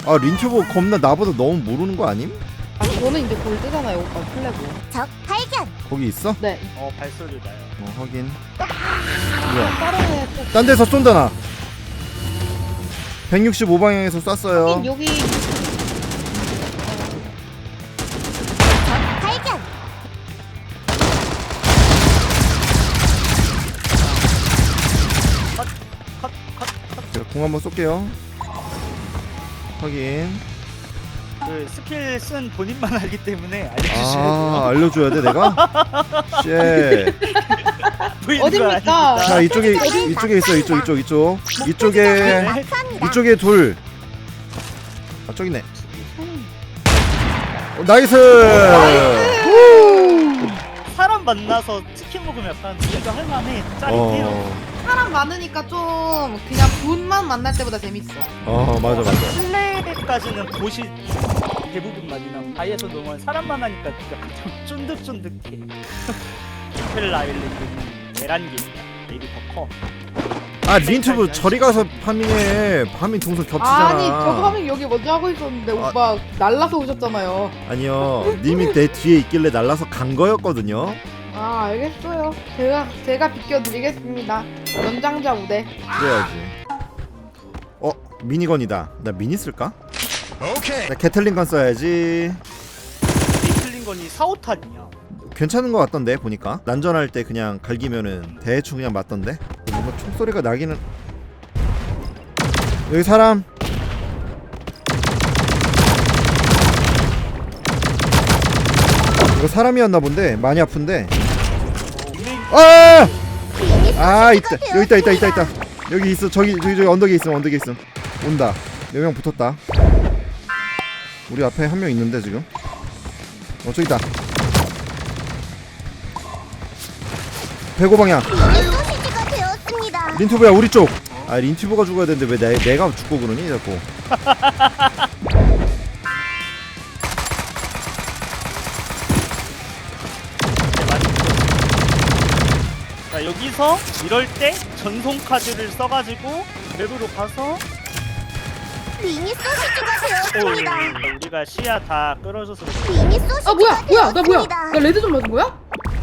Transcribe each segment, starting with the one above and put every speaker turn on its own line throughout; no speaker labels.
아 린튜브 겁나 나보다 너무 모르는 거 아님?
아, 저는 이제 골드잖아요 오빠 플래그.
적 발견.
거기 있어?
네.
발소리 나요.
확인. 뭐야?
다른 애 또.
딴 데서 쏜다 나. 165방향에서 쐈어요.
여기
발견.
제가 공 한번 쏠게요. 확인.
그 스킬 쓴 본인만 알기 때문에 알려주셔야 돼요.
알려줘야 돼 내가? 쉣.
보이는 거
어딥니까?
아닙니다.
자 이쪽에 있어 이쪽에
막합니다.
이쪽에 둘. 아 저기네. 나이스.
사람 만나서 치킨 먹으면 약간 우리가 할만해. 짜릿해요.
사람 많으니까 좀 그냥 분만 만날 때보다 재밌어.
맞아.
플레이까지는 보시 대부분 많이 나오고 바이에서 너무 사람만 하니까 약간 좀 쫀득쫀득해. 스펠 아일랜드는 계란기입니다. 맵이 더 커.
아 린튜브 저리 가서 파밍해. 파밍 동선 겹치잖아.
아니 저도 하면 여기 먼저 하고 있었는데 오빠 날라서 오셨잖아요.
아니요. 님이 내 뒤에 있길래 날라서 간 거였거든요.
아 알겠어요. 제가 비켜드리겠습니다. 연장자 우대.
그래야지. 미니건이다. 나 미니 쓸까? 오케이. 나 게틀링건 써야지.
게틀링건이 4~5탄이야.
괜찮은 거 같던데 보니까 난전할 때 그냥 갈기면은 대충 그냥 맞던데. 뭔가 총소리가 나기는. 여기 사람. 이거 사람이었나 본데 많이 아픈데. 있다. 여기 있다. 여기 있어. 저기 언덕에 있음. 온다. 4명 붙었다. 우리 앞에 한 명 있는데 지금. 저기 있다. 105방향.
소시지가 되었습니다.
린튜브야 우리 쪽. 린튜브가 죽어야 되는데 왜 내가 죽고 그러니 자꾸.
자 여기서 이럴 때 전송 카드를 써가지고 맵으로 가서
미니 소시지가 되었습니다.
우리가 시야 다 끌어줘서
미니 소시지가
뭐야 나 뭐야?
되었습니다.
나 레드 좀 맞은 거야?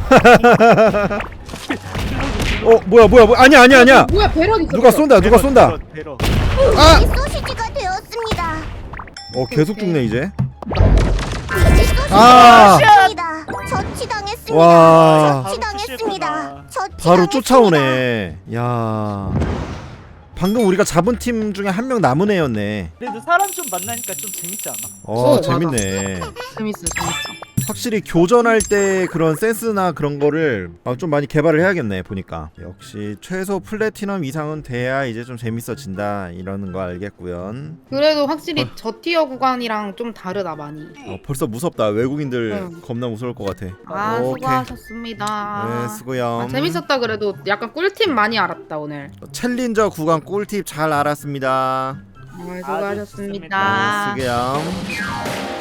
뭐야 아니야
뭐야 배럭 있어.
누가 쏜다
배러.
미니 소시지가 되었습니다.
계속 죽네 이제.
미니 소시지가
아!
되었습니다. 처치당했습니다.
와
처치당했습니다.
바로 쫓아오네. 야 방금 우리가 잡은 팀 중에 한 명 남은 애였네.
그래도 사람 좀 만나니까 좀 재밌지 않아?
재밌네.
재밌어.
확실히 교전할 때 그런 센스나 그런 거를 좀 많이 개발을 해야겠네 보니까. 역시 최소 플래티넘 이상은 돼야 이제 좀 재밌어진다 이러는 거 알겠고요.
그래도 확실히 저 티어 구간이랑 좀 다르다 많이.
벌써 무섭다. 외국인들 겁나 무서울 것 같아. 오케이.
수고하셨습니다.
네 수고요.
재밌었다. 그래도 약간 꿀팁 많이 알았다 오늘.
챌린저 구간 꿀팁 잘 알았습니다.
수고하셨습니다.
네 수고요.